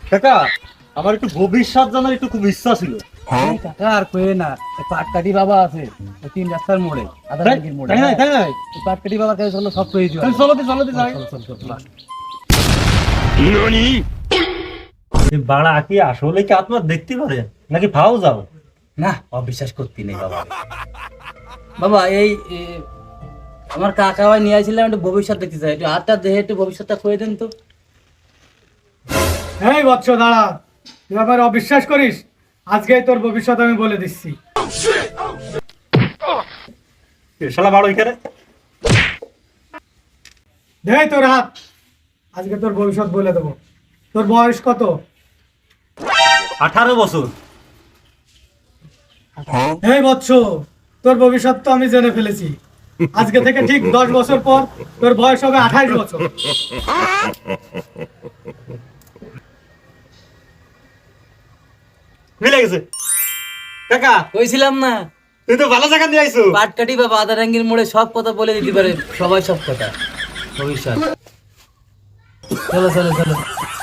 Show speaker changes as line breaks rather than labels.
কাকা আমার একটু ভবিষ্যৎ জানার একটু খুব ইচ্ছা ছিল।
এই কাকা আর কয়ে না, এই পাটকাঠি বাবা আছে ওই 3 রাস্তার মোড়ে, আধা
তাই
টাঙ্গির মোড়ে।
তাই নাই, তাই নাই।
এই পাটকাঠি বাবার কাছে চলো, সব পেয়ে দিও।
চলো দি যাই।
চল চল চল।
এই বাড়া কি আসলে কি আত্মা দেখতে পারে নাকি ভাও যাও?
না, অবিশ্বাস করতে নেই বাবা। বাবা এই আমার কাকা ভাই নিয়ে আসছিলাম, একটু ভবিষ্যৎ দেখতে চাই, একটু হাতটা দেখে একটু ভবিষ্যৎটা কয়ে দেন তো।
এই বৎস দাঁড়া, তুই আবার অবিশ্বাস করিস? আজকেই তোর ভবিষ্যৎ আমি বলে দিচ্ছি।
শালা বাড়ো এখানে।
দে তোর হাত, আজকে তোর ভবিষ্যৎ বলে দেবো। তোর বয়স কত?
18 বছর।
এই বৎস, তোর ভবিষ্যৎ তো আমি জেনে ফেলেছি। আজকে থেকে ঠিক 10 বছর পর তোর বয়স হবে 28 বছর।
মিলে গেছে কাকা,
কইছিলাম না,
তুই তো ভালো জায়গা দিয়ে আইছো।
পাটকাঠি বাবা আধা টাঙ্গির মোড়ে সব কথা বলে দিতে পারে, সবাই সব কথা ভবিষ্যৎ। চলো চলো চলো।